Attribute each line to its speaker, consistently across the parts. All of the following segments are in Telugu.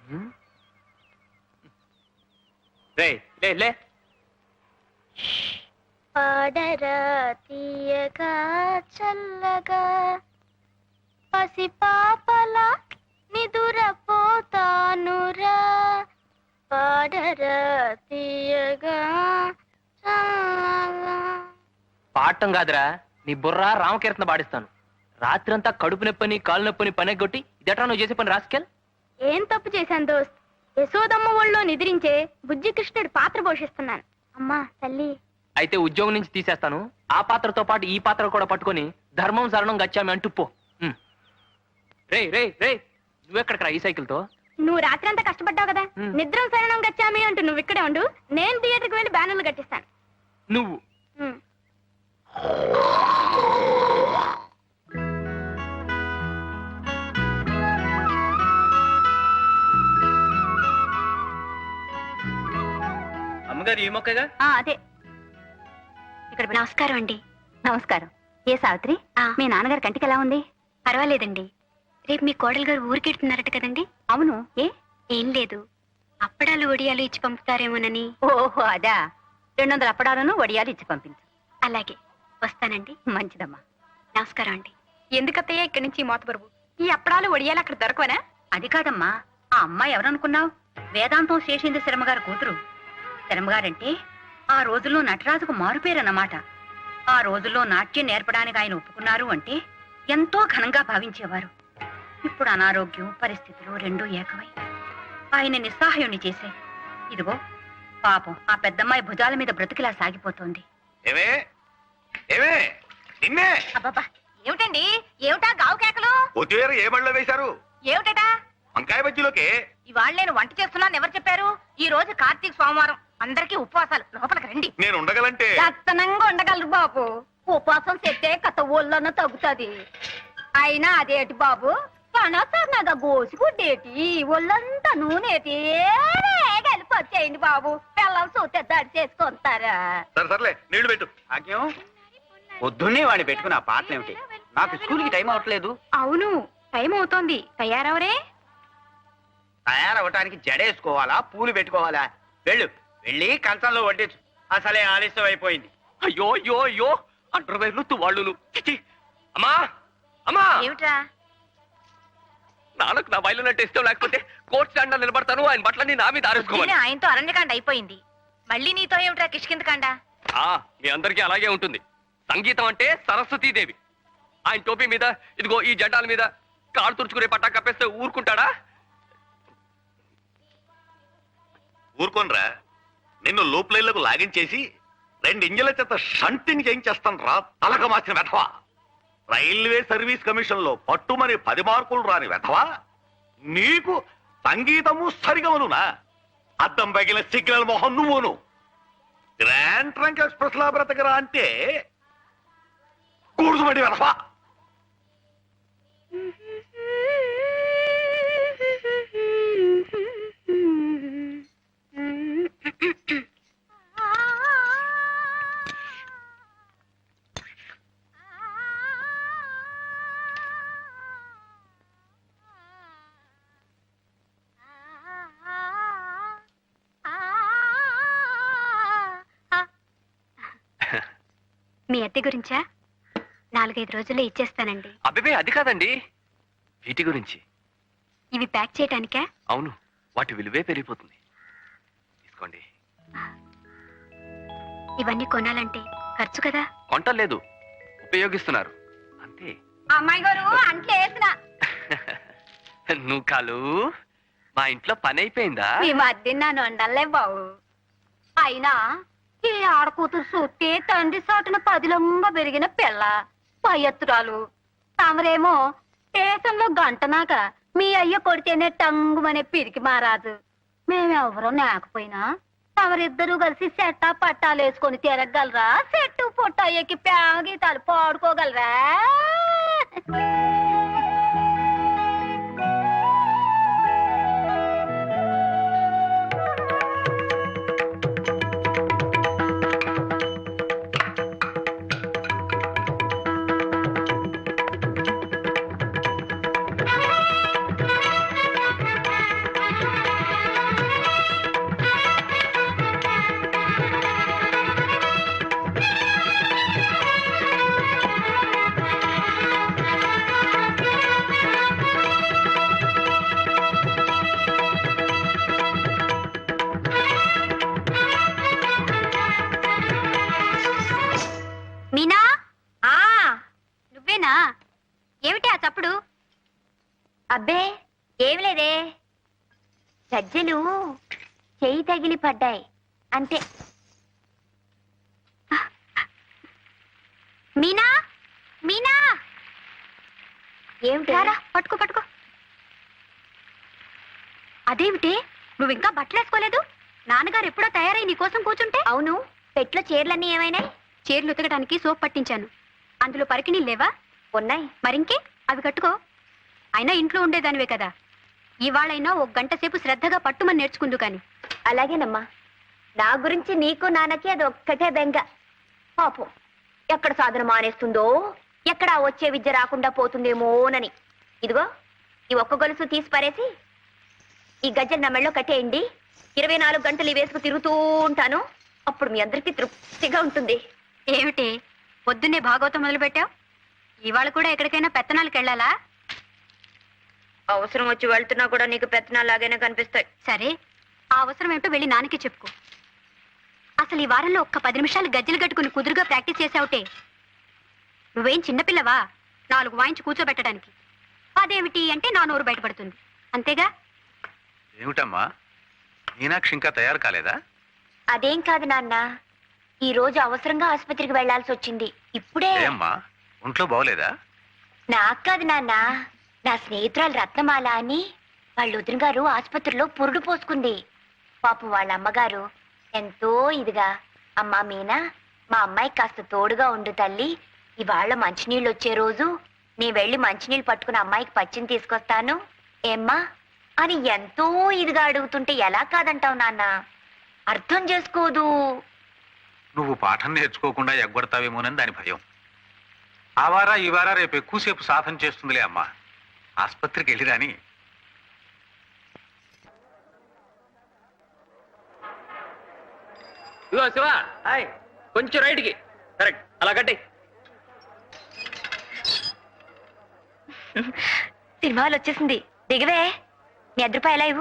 Speaker 1: రే లే లే.
Speaker 2: పాడరా తీయగా చల్లగా పసిపాపలా నిదురపోతానురా పాడరా తీయగా చల్లగా.
Speaker 1: పాడటం కాదురా, నీ బుర్ర రామకీర్తన పాడిస్తాను. రాత్రంతా కడుపు నొప్పని కాలు నొప్పని పనెగొట్టి ఇదట్రా నువ్వు చేసే పని రాసుకెల్.
Speaker 2: ఏం తప్పు చేశాను దోస్త్? యశోదమ్మ ఒళ్ళో నిద్రించే బుజ్జి కృష్ణుడి పాత్ర పోషిస్తున్నాను. అమ్మా తల్లి.
Speaker 1: అయితే ఉద్యోగం నుంచి తీసేస్తాను. ఆ పాత్రతో పాటు ఈ పాత్ర కూడా పట్టుకొని ధర్మం శరణం గచ్చామి అంటూ పో. రే రే రే, నువ్వెక్కడికరా ఈ సైకిల్ తో?
Speaker 2: నువ్వు రాత్రి అంతా కష్టపడ్డావు కదా, నిద్రం శరణం గచ్చామి అంటూ నువ్వు ఇక్కడే ఉండు, నేను థియేటర్కి వెళ్ళి బ్యానర్లు కట్టిస్తాను.
Speaker 1: నువ్వు అమ్మగారు ఈ మొక్కగా?
Speaker 2: అదే. ఇక్కడ నమస్కారం అండి. నమస్కారం. ఏ సావిత్రి, మీ నాన్నగారి కంటికి ఎలా ఉంది? పర్వాలేదండి. రేపు మీ కోడలు గారు ఊరికెడుతున్నారట కదండి? అవును. ఏం లేదు, అప్పడాలు వడియాలు ఇచ్చి పంపుతారేమోనని. ఓహో అదా. 200 అప్పడాలను వడియాలు ఇచ్చి పంపించు. అలాగే, వస్తానండి. మంచిదమ్మా. నమస్కారం అండి. ఎందుకత్తయ్య ఇక్కడి నుంచి మోతబరువు? ఈ అప్పడాలు వడియాలు అక్కడ దొరకవనా? అది కాదమ్మా, ఆ అమ్మాయి ఎవరనుకున్నావు? వేదాంతం శేషేంద్ర శర్మగారి కూతురు. శర్మగారంటే ఆ రోజుల్లో నటరాజుకు మారుపేరన్నమాట. ఆ రోజుల్లో నాట్యం నేర్పడానికి ఆయన ఒప్పుకున్నారు అంటే ఎంతో ఘనంగా భావించేవారు. ఇప్పుడు అనారోగ్యం పరిస్థితులు రెండూ ఏకమై ఆయన నిస్సహాయుణ్ణి చేశాయి. ఇదిగో పాపం ఆ పెద్దమ్మాయి భుజాల మీద బ్రతుకిలా సాగిపోతోంది. అబ్బబ్బా, ఏమిటండి? ఏమిటా గావు కేకలు?
Speaker 3: ఏ బళ్ళో వేశారు?
Speaker 2: ఏమిటా?
Speaker 3: వంకాయ బజ్జీలోకే.
Speaker 2: ఇవాళ నేను వంట చేస్తున్నాను ఎవరు చెప్పారు? ఈ రోజు కార్తీక సోమవారం, అందరికీ ఉపవాసాలు. లోపలికి రండి.
Speaker 3: నేను ఉండగలంటే
Speaker 2: లక్షణంగా ఉండగలరు బాబు. ఉపవాసం చెప్తే కథ ఒళ్ళన్న తగ్గుతుంది. అయినా అదేటి బాబు, కనసన్నగా గోసుకుంటేటి ఒళ్ళంతా నూనెటి కలిపి వచ్చేయండి బాబు. పిల్లలు చూస్తే దాడి చేసుకుంటారా?
Speaker 3: సర్లే నీళ్లు పెట్టు.
Speaker 4: పొద్దున్నే వాడిని పెట్టుకుని ఆ పాటలు ఏమిటి? నాకు స్కూల్కి టైం అవట్లేదు.
Speaker 2: అవును, టైం అవుతోంది. తయారవరే?
Speaker 4: తయారవటానికి జడేసుకోవాలా, పూలు పెట్టుకోవాలా? వెళ్ళి కంచంలో వడ్డించు. అసలే ఆలస్యం అయిపోయింది.
Speaker 1: అయ్యో అయ్యో అయ్యో, అండర్వేర్లు తువాళ్ళు. అమ్మా అమ్మా,
Speaker 2: ఏమిట్రా?
Speaker 1: నాన్నకు నా బయలు నట్టు ఇష్టం లేకపోతే కోర్టు స్టాండ్ నిలబడతాను. ఆయన బట్టలన్నీ నా మీద ఆరేసుకోవాలి.
Speaker 2: ఆయనతో అరణ్యకాండ అయిపోయింది, మళ్ళీ నీతో ఏమిట్రా కిష్కిందకాండ?
Speaker 1: మీ అందరికీ అలాగే ఉంటుంది. సంగీతం అంటే సరస్వతీదేవి. ఆయన టోపీ మీద ఇదిగో ఈ జెండాల మీద కాళ్ళు తుడుచుకునే పట్టా కప్పేస్తే ఊరుకుంటాడా?
Speaker 3: ఊరుకోనరా, నిన్ను లూప్ లైన్లకు లాగించేసి 2 ఇంజల చేత షంటింగ్ చేయించేస్తాను రా తలక మార్చిన వెధవా. రైల్వే సర్వీస్ కమిషన్ లో పట్టుమని 10 మార్కులు రాని వెధవా. నీకు సంగీతము సరిగమనునా? అద్దం పగిలిన సిగ్నల్ మొహం నువ్వును. గ్రాండ్ ట్రంక్ ఎక్స్ప్రెస్ లా బ్రతకరా అంటే కూడుకుమడి వెధవా.
Speaker 2: మీ అద్దె గురించా? 4-5 రోజుల్లో ఇచ్చేస్తానండి.
Speaker 1: అబ్బే అది కాదండి, వీటి గురించి.
Speaker 2: ఇవి ప్యాక్ చేయటానికా?
Speaker 1: అవును, వాటి విలువే పెరిగిపోతుంది. తీసుకోండి.
Speaker 2: ఇవన్నీ కొనాలంటే ఖర్చు కదా?
Speaker 1: కొంటలేదు, ఉపయోగిస్తున్నారు అంతే.
Speaker 2: అమ్మాయి గారు అంట్లో వేసిన
Speaker 1: నువ్వు కాలు మా ఇంట్లో పని అయిపోయిందా?
Speaker 2: ఈ మధ్య నన్ను వండలే బావు. అయినా ఈ ఆడకూతురు చూస్తే తండ్రి సాటున 10లంగా పెరిగిన పిల్ల పయ్యత్తురాలు. తమరేమో స్టేషన్లో గంటనాక మీ అయ్య కొడితేనే టంగుమనే పిరికి మారాజు. మేమెవరో లేకపోయినా తమరిద్దరూ కలిసి సెట్టా పట్టాలు వేసుకొని తిరగలరా? చెట్టు పొట్ట ఎక్కి ప్యాగీతాలు పాడుకోగలరా? అబ్బే ఏమి లేదే, గజ్జెలు చెయ్యి తగిలి పడ్డాయి అంతే. మీనా మీనా, ఏమిటి? పట్టుకో పట్టుకో. అదేమిటి నువ్వు ఇంకా బట్టలు వేసుకోలేదు? నాన్నగారు ఎప్పుడో తయారై నీకోసం కూర్చుంటే. అవును, పెట్లో చీరలన్నీ ఏమైనాయి? చీరలు ఉతకడానికి సోప్ పట్టించాను. అందులో పరికిణీ లేవా? ఉన్నాయి. మరింకే అవి కట్టుకో. అయినా ఇంట్లో ఉండేదానివే కదా, ఇవాళైనా ఒక గంట సేపు శ్రద్ధగా పట్టుమని నేర్చుకుందు కాని. అలాగేనమ్మా. నా గురించి నీకు నాన్నకి అది ఒక్కటే బెంగ. పాపం ఎక్కడ సాధన మానేస్తుందో, ఎక్కడ వచ్చే విద్య రాకుండా పోతుందేమోనని. ఇదిగో ఈ ఒక్క గొలుసు తీసి పారేసి ఈ గజ్జలు నా మెళ్ళో కట్టేయండి. 24 గంటలు వేసుకు తిరుగుతూ ఉంటాను. అప్పుడు మీ అందరికీ తృప్తిగా ఉంటుంది. ఏమిటి పొద్దున్నే భాగవతం మొదలు పెట్టావు? ఇవాళ కూడా ఎక్కడికైనా పెత్తనాలకు వెళ్ళాలా? అవసరం వచ్చి వెళ్తున్నా కూడా నీకు పెత్తనాలు లాగానే కనిపిస్తాయి. సరే, ఆ అవసరం ఏమిటో వెళ్ళి నాన్నకి చెప్పుకో. అసలు ఈ వారంలో ఒక్క 10 నిమిషాలు గజ్జలు కట్టుకుని కుదురుగా ప్రాక్టీస్ చేసావుటే. నువ్వేం చిన్నపిల్లవా 4 వాయించి కూర్చోబెట్టడానికి? అదేమిటి అంటే నా నోరు బయటపడుతుంది అంతేగా.
Speaker 5: ఏమిటమ్మా, మీనాక్షి ఇంకా తయారు కాలేదా?
Speaker 2: అదేం కాదు నాన్న, ఈ రోజు అవసరంగా ఆసుపత్రికి వెళ్లాల్సి వచ్చింది. ఇప్పుడే.
Speaker 5: ఏమ్మా, ఒంట్లో బాగోలేదా?
Speaker 2: నాకు కాదు నాన్న, నా స్నేహితురాలు రత్నమాల అని వాళ్ళ వదిన గారు ఆసుపత్రిలో పురుడు పోసుకుంది. పాపం వాళ్ళ అమ్మగారు ఎంతో ఇదిగా, అమ్మా మీనా, మా అమ్మాయి కాస్త తోడుగా ఉండు తల్లి, ఇవాళ మంచినీళ్ళు వచ్చే రోజు నీ వెళ్ళి మంచినీళ్ళు పట్టుకుని అమ్మాయికి పచ్చిని తీసుకొస్తాను ఏమ్మా అని ఎంతో ఇదిగా అడుగుతుంటే ఎలా కాదంటావు నాన్న? అర్థం చేసుకోదు.
Speaker 5: నువ్వు పాఠం నేర్చుకోకుండా ఎగ్గొడతావేమోనని దాని భయం. ఆ వారా ఈ వారా రేపు ఎక్కువసేపు సాధన చేస్తుందిలే అమ్మా. ఆసుపత్రికి వెళ్ళిరాని.
Speaker 1: ఇదిగో శివ, కొంచెం రైట్కి. కరెక్ట్, అలా కట్టే.
Speaker 2: సినిమాలు వచ్చేసింది, దిగవే. నీ రూపాయలు ఇవ్వు.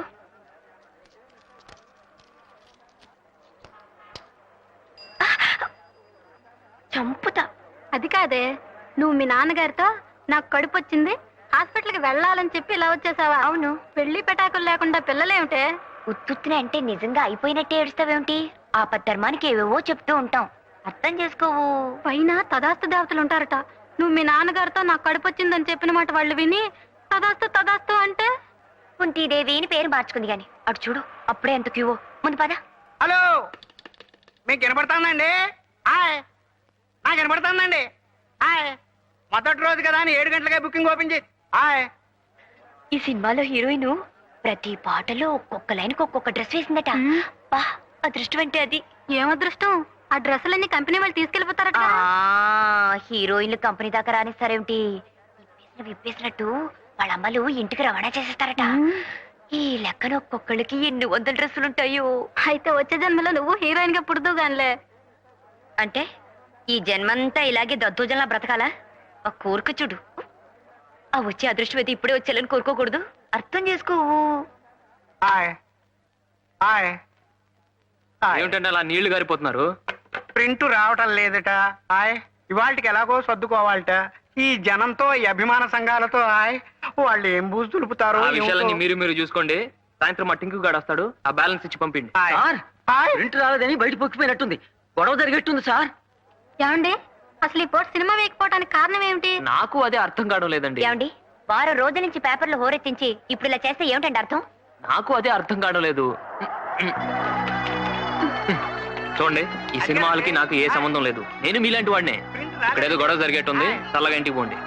Speaker 2: చంపుతా. అది కాదే, నువ్వు మీ నాన్నగారితో నాకు కడుపు వచ్చింది, హాస్పిటల్కి వెళ్ళాలని చెప్పి ఇలా వచ్చేసావా? అవును. పెళ్లి పెటాకులు లేకుండా పిల్లలేమిటే? ఉత్తుత్తునే అంటే నిజంగా అయిపోయినట్టే ఏడుస్తావేమిటి? ఆపద్ధర్మానికి ఏవేవో చెప్తూ ఉంటాం, అర్థం చేసుకోవు. పైన తదాస్తు దేవతలు ఉంటారట. నువ్వు మీ నాన్నగారితో నాకు కడుపు వచ్చిందని చెప్పిన మాట వాళ్ళు విని తదాస్తు తదాస్తు అంటే కుంతీదేవి అని పేరు మార్చుకుంది. గాని అటు చూడు, అప్పుడే ఎంత క్యూవో. ముందు పద.
Speaker 4: హలో, మీకు వినపడుతుందండి? హాయ్, నాకు వినపడుతుందండి. హాయ్, మొదటి రోజు కదా అని 7 గంటలకే బుకింగ్ ఓపెన్ చేసి. హాయ్,
Speaker 2: ఈ సినిమాలో హీరోయిన్ ప్రతి పాటలో ఒక్కొక్క లైన్కి ఒక్కొక్క డ్రెస్ వేసిందట. బా, అదృష్టం అంటే అది. ఏం అదృష్టం? ఆ డ్రెస్సులన్నీ కంపెనీ వాళ్ళు తీసుకెళ్లిపోతారట. హీరోయిన్లు కంపెనీ దాకా రానిస్తారేమిటి? విప్పేసినట్టు వాళ్ళ అమ్మలు ఇంటికి రవాణా చేసేస్తారట. ఈ లెక్కన ఒక్కొక్కళ్ళకి ఎన్ని 100 డ్రెస్సులుంటాయో. అయితే వచ్చే జన్మలో నువ్వు హీరోయిన్ గా పుడుతూ గానిలే. అంటే ఈ జన్మంతా ఇలాగే దద్దోజనలా బ్రతకాలా? ఆ కోరిక చూడు. ఆ వచ్చే అదృష్టం అయితే ఇప్పుడే వచ్చేయాలని కోరుకోకూడదు. అర్థం చేసుకోవు.
Speaker 4: Hi, hi, hi.
Speaker 1: ఏమిటంటే అలా నీళ్లు గారిపోతున్నారు?
Speaker 4: ప్రింట్ రావటం లేదట. హాయ్, ఇవాళకి ఎలాగో సర్దుకోవాలట. ఈ జనంతో, ఈ అభిమాన సంఘాలతో హాయ్, వాళ్ళు ఏం బూజు తులుపుతారో.
Speaker 1: ఆ విషయాలన్నీ మీరు చూసుకోండి. సాయంత్రం మా టింకు గాడు వస్తాడు, ఆ బ్యాలెన్స్ ఇచ్చి పంపిండి.
Speaker 4: Sir, hi.
Speaker 6: ప్రింట్ రాలేదని బయట పొక్కిపోయినట్టుంది. గొడవ జరిగేట్టుంది సార్.
Speaker 2: ఏమండి, అసలు ఈ పోటీ సినిమా వేయకపోవడానికి కారణం ఏమిటి?
Speaker 1: నాకు అదే అర్థం కావడం లేదండి.
Speaker 2: ఏమండి, వారం రోజుల నుంచి పేపర్లు హోరెత్తించి ఇప్పుడు ఇలా చేస్తే ఏమిటండి అర్థం?
Speaker 1: నాకు అదే అర్థం కావడం లేదు. చూడండి, ఈ సినిమాలకి నాకు ఏ సంబంధం లేదు. నేను మీలాంటి వాడినే. ఇక్కడేదో గొడవ జరిగేట్టుంది, చల్లగా ఇంటికి పోండి.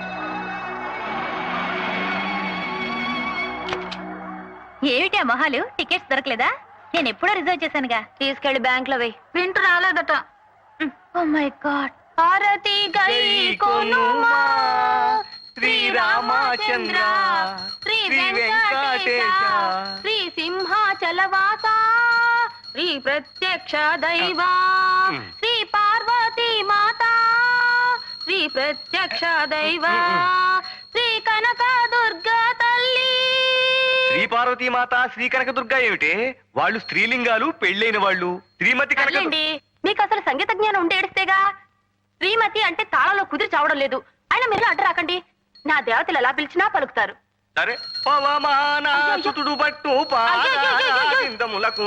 Speaker 2: ఏమిటి ఆ మొహాలు? టికెట్స్ దొరకలేదా? నేను ఎప్పుడో రిజర్వ్ చేశానుగా. తీసుకెళ్లి బ్యాంక్ లో వేయి. ప్రింట్ రాలేదట. Oh my god. హారతి గై కొనుమా శ్రీరామచంద్ర శ్రీ వెంకటేశ శ్రీ సింహాచలవాస శ్రీ ప్రత్యక్ష దైవా శ్రీ పార్వతీ మాతా శ్రీ ప్రత్యక్ష దైవా శ్రీ కనక దుర్గా తల్లి.
Speaker 7: శ్రీ పార్వతీ మాత, శ్రీ కనకదుర్గ ఏమిటే? వాళ్ళు స్త్రీలింగాలు, పెళ్ళైన వాళ్ళు. శ్రీమతి కనక.
Speaker 2: మీకు అసలు సంగీత జ్ఞానం ఉంటే ఏడిస్తేగా. శ్రీమతి అంటే తాళంలో కుదిరి చావడం లేదు. అయినా మీరు అడ్డు రాకండి. నా దేవతలు ఎలా పిలిచినా పలుకుతారు.
Speaker 7: సరే పవమాన సుతుడు పట్టు పాదములకు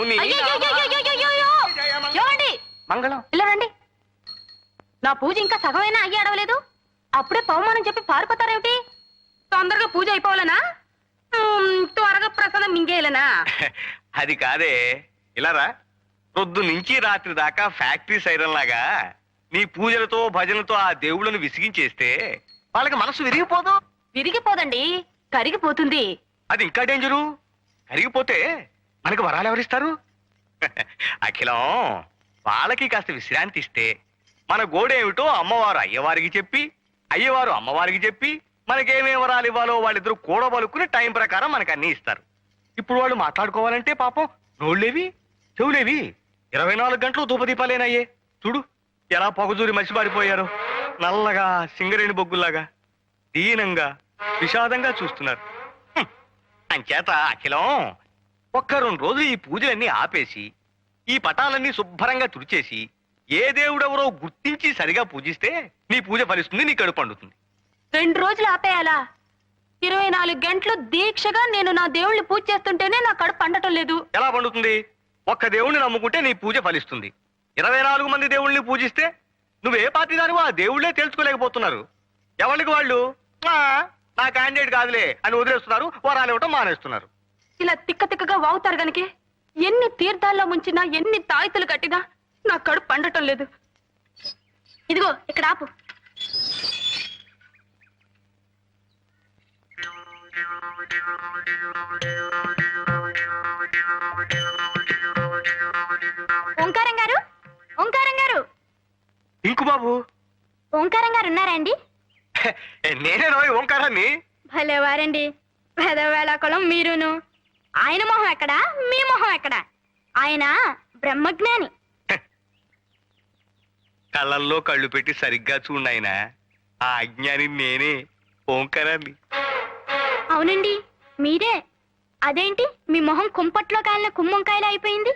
Speaker 2: ఏమండి
Speaker 7: మంగళం.
Speaker 2: ఇలా రండి. నా పూజ ఇంకా సగమైనా అయ్యి అడవలేదు, అప్పుడే పవమానం చెప్పి పారిపోతారేమిటి? తొందరగా పూజ అయిపోవాలనా? త్వరగా ప్రసాదం మింగేయాలనా?
Speaker 7: అది కాదే, ఇలారా. పొద్దు నుంచి రాత్రి దాకా ఫ్యాక్టరీ సైరన్ లాగా నీ పూజలతో భజనలతో ఆ దేవుళ్ళను విసిగించేస్తే వాళ్ళకి మనసు విరిగిపోదు.
Speaker 2: విరిగిపోదండి, కరిగిపోతుంది.
Speaker 7: అది ఇంకా డేంజరు. కరిగిపోతే మనకి వరాలు ఎవరిస్తారు? అఖిలం, వాళ్ళకి కాస్త విశ్రాంతి ఇస్తే మన గోడేమిటో అమ్మవారు అయ్యవారికి చెప్పి, అయ్యవారు అమ్మవారికి చెప్పి మనకేమేం వరాలు ఇవ్వాలో వాళ్ళిద్దరూ కూడబలుకుని టైం ప్రకారం మనకు అన్ని ఇస్తారు. ఇప్పుడు వాళ్ళు మాట్లాడుకోవాలంటే పాపం నోళ్ళేవి చెవులేవి 24 గంటలు ధూపదీపాలేనయ్యే. చూడు ఎలా పొగజూరి మసిపారిపోయారు. నల్లగా సింగరేణి బొగ్గుల్లాగా దీనంగా విషాదంగా చూస్తున్నారు. అంచేత అఖిలం, ఒక్క 2 రోజులు ఈ పూజలన్నీ ఆపేసి ఈ పటాలన్నీ శుభ్రంగా తుడిచేసి ఏ దేవుడెవరో గుర్తించి సరిగా పూజిస్తే నీ పూజ ఫలిస్తుంది, నీ కడుపు పండుతుంది.
Speaker 2: 2 రోజులు ఆపేయాలా? 24 గంటలు దీక్షగా నేను నా దేవుళ్ళని పూజ చేస్తుంటేనే నా కడుపు పండటం లేదు.
Speaker 7: ఎలా పండుతుంది? ఒక్క దేవుణ్ణి నమ్ముకుంటే నీ పూజ ఫలిస్తుంది. 24 మంది దేవుళ్ళని పూజిస్తే నువ్వే పార్టీ దానివో ఆ దేవుళ్ళే తెలుసుకోలేకపోతున్నారు. ఎవరికి వాళ్ళు నా క్యాండిడేట్ కాదులే అని వదిలేస్తున్నారు, వరాలు ఇవ్వటం మానేస్తున్నారు.
Speaker 2: ఇలా తిక్క తిక్కగా వాగుతారు గనకే ఎన్ని తీర్థాల్లో ముంచినా, ఎన్ని తాయితులు కట్టినా నా కడుపు పండటం లేదు. ఇదిగో ఇక్కడ ఆపు. ఓంకారం గారు, ఓంకారం గారు,
Speaker 7: ఇంకు బాబు,
Speaker 2: ఓంకారం గారు ఉన్నారా అండి?
Speaker 7: నేనే రోయ్ ఓంకారాన్ని.
Speaker 2: భలేవారండి, పెదవేళకులం మీరును. ఆయన మొహం ఎక్కడా, మీ మొహం ఎక్కడా? ఆయన బ్రహ్మజ్ఞాని.
Speaker 7: కళ్ళల్లో కళ్ళు పెట్టి సరిగ్గా చూడాయన. ఆ అజ్ఞాని నేనే, ఓంకారాన్ని.
Speaker 2: అవునండి మీరే. అదేంటి మీ మొహం కుంపట్లో కాలిన కుమ్మంకాయలు అయిపోయింది?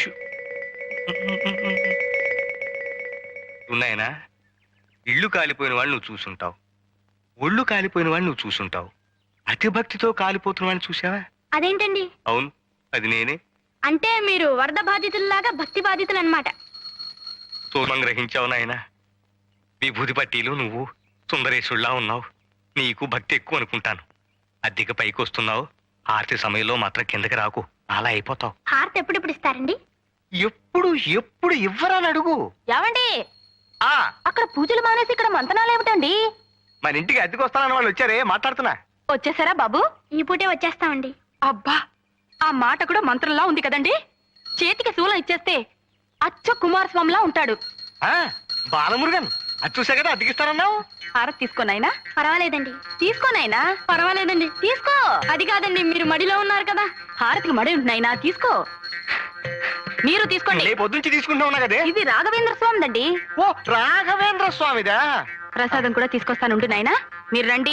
Speaker 7: ఉన్నాయనా, ఇళ్ళు కాలిపోయిన వాళ్ళు నువ్వు చూసుంటావు, ఒళ్ళు కాలిపోయిన వాళ్ళు నువ్వు చూసుంటావు, అతి భక్తితో కాలిపోతున్న వాళ్ళని చూసావా?
Speaker 2: అదేంటండి?
Speaker 7: అవును, అది నేనే.
Speaker 2: అంటే మీరు వరద బాధితుల్లాగా భక్తి బాధితులు అన్నమాట.
Speaker 7: సోమం గ్రహించావు నాయన. విభూతి పట్టీలు నువ్వు సుందరేశుల్లా ఉన్నావు. నీకు భక్తి ఎక్కువ అనుకుంటాను. అద్దెకి పైకి వస్తున్నావు, ఆర్తి సమయంలో మాత్రం కిందకి రాకు, అలా అయిపోతావు.
Speaker 2: హారతి ఎప్పుడెప్పుడు ఇస్తారండి?
Speaker 7: ఎప్పుడు ఎప్పుడు ఇవ్వరని అడుగు.
Speaker 2: ఏమండి,
Speaker 7: ఆ
Speaker 2: అక్కడ పూజలు మానేసి ఇక్కడ మంతనాలు ఏమిటండి?
Speaker 7: మన ఇంటికి అద్దెకి వస్తానని వాళ్ళు వచ్చారే, మాట్లాడుతున్నా.
Speaker 2: వచ్చేసారా బాబు? ఈ పూటే వచ్చేస్తామండి. అబ్బా, ఆ మాట కూడా మంత్రంలా ఉంది కదండి. చేతికి శూలం ఇచ్చేస్తే అచ్చ కుమారస్వామిలా ఉంటాడు.
Speaker 7: ఆ బాలమురుగన్, అది చూసా కదా అద్దెకిస్తానన్నావు.
Speaker 2: హారతి తీసుకోనైనా? పర్వాలేదండి. తీసుకోనైనా? పర్వాలేదండి. తీసుకో. అది కాదండి, మీరు మడిలో ఉన్నారు కదా. హారతికి మడి ఉంటున్నాయినా, తీసుకో. మీరు తీసుకోండి.
Speaker 7: రేపు పొద్దుంచి తీసుకుంటా ఉన్నా కదే.
Speaker 2: ఇది రాఘవేంద్ర స్వామిదండి.
Speaker 7: ఓ రాఘవేంద్ర స్వామిదా?
Speaker 2: ప్రసాదం కూడా తీసుకొస్తానుండు నాయనా, మీరు రండి.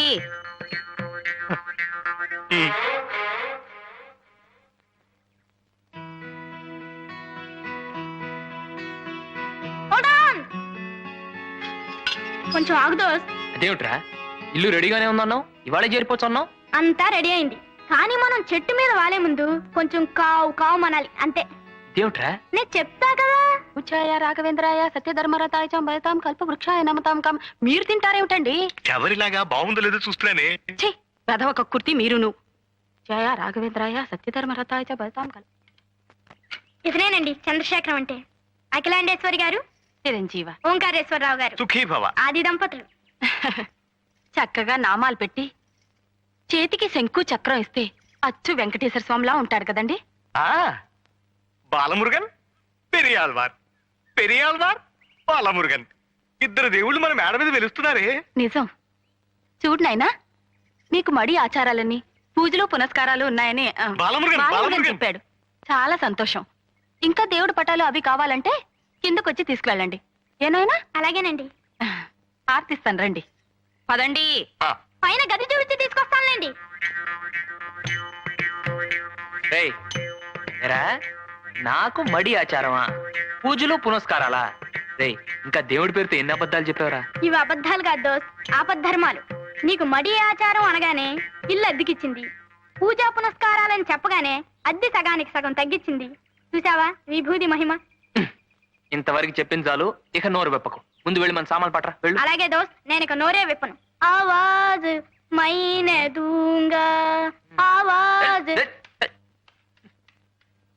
Speaker 2: కొంచెం ఆగుదో.
Speaker 1: అదేమిట్రా, ఇల్లు రెడీగానే ఉందన్నావు, ఇవాళే చేరిపోవచ్చు అన్నావు.
Speaker 2: అంతా రెడీ అయింది, కానీ మనం చెట్టు మీద వాలే ముందు కొంచెం కావు కావు మనాలి అంతే.
Speaker 1: ఇదేమిట్రా?
Speaker 2: నేను చెప్తా కదా. ఉచ్చాయ రాఘవేంద్రాయ సత్యధర్మరతాయ చ బలతాం కల్ప వృక్షాయ నమతాం కం. మీరు తింటారేమిటండి?
Speaker 7: ఎవరిలాగా బాగుందో లేదో చూస్తున్నానే.
Speaker 2: ఛీ, పెదవ కక్కుర్తి మీరును. జయ రాఘవేంద్రాయ సత్యధర్మరతాయ చ బలతాం కల్ప. ఇతనేనండి చంద్రశేఖరం అంటే. అఖిలాండేశ్వరి గారు, చిరంజీవ. ఓంకారేశ్వరరావు గారు,
Speaker 7: సుఖీ భవ.
Speaker 2: ఆది దంపతులు. చక్కగా నామాలు పెట్టి చేతికి శంకు చక్రం ఇస్తే అచ్చు వెంకటేశ్వర స్వామిలా ఉంటాడు కదండి.
Speaker 7: ఆ బాలమురుగన్, పెరియాల్వార్, పెరియాల్వార్, బాలమురుగన్, ఇద్దరు దేవుళ్ళు మన మేడ మీద వెలుస్తున్నారే.
Speaker 2: నిజం. చూడు నాయనా, మీకు మడి ఆచారాలన్నీ పూజలు పునస్కారాలు ఉన్నాయని
Speaker 7: బాలమురుగన్,
Speaker 2: బాలమురుగన్
Speaker 7: బాలమురుగన్.
Speaker 2: చెప్పాడు. చాలా సంతోషం. ఇంకా దేవుడు పటాలు అవి కావాలంటే కిందకొచ్చి తీసుకువెళ్ళండి. ఏనాయనా? అలాగేనండి. ఆర్తిస్తాను, రండి. పదండి.
Speaker 7: ఆ,
Speaker 2: పైన గది చూపించి తీసుకొస్తానులేండి.
Speaker 1: రేయ్, ఏరా, నాకు మడి ఆచారమా, పూజలు పునస్కారాలా? రేయ్, ఇంకా దేవుడి పేరుతో ఎన్ని అబద్ధాలు చెప్పావరా?
Speaker 2: ఇవి అబద్ధాలు కాదు దోస్త్, ఆపద్ధర్మాలు. నీకు మడి ఆచారం అనగానే ఇల్లు అద్దెకిచ్చింది, పూజా పునస్కారాలని చెప్పగానే అద్దె సగానికి సగం తగ్గించింది. చూసావా విభూది మహిమ.
Speaker 1: ఇంతవరకు చెప్పింది చాలు, ఇక నోరు వెప్పకు. ముందు వెళ్ళి మన సామాన్లు పట్రా వెళ్ళు.
Speaker 2: అలాగే దోస్త్, నేను ఇక నోరే విప్పను. ఆవాజ్ మైనే దూంగా ఆవాజ్.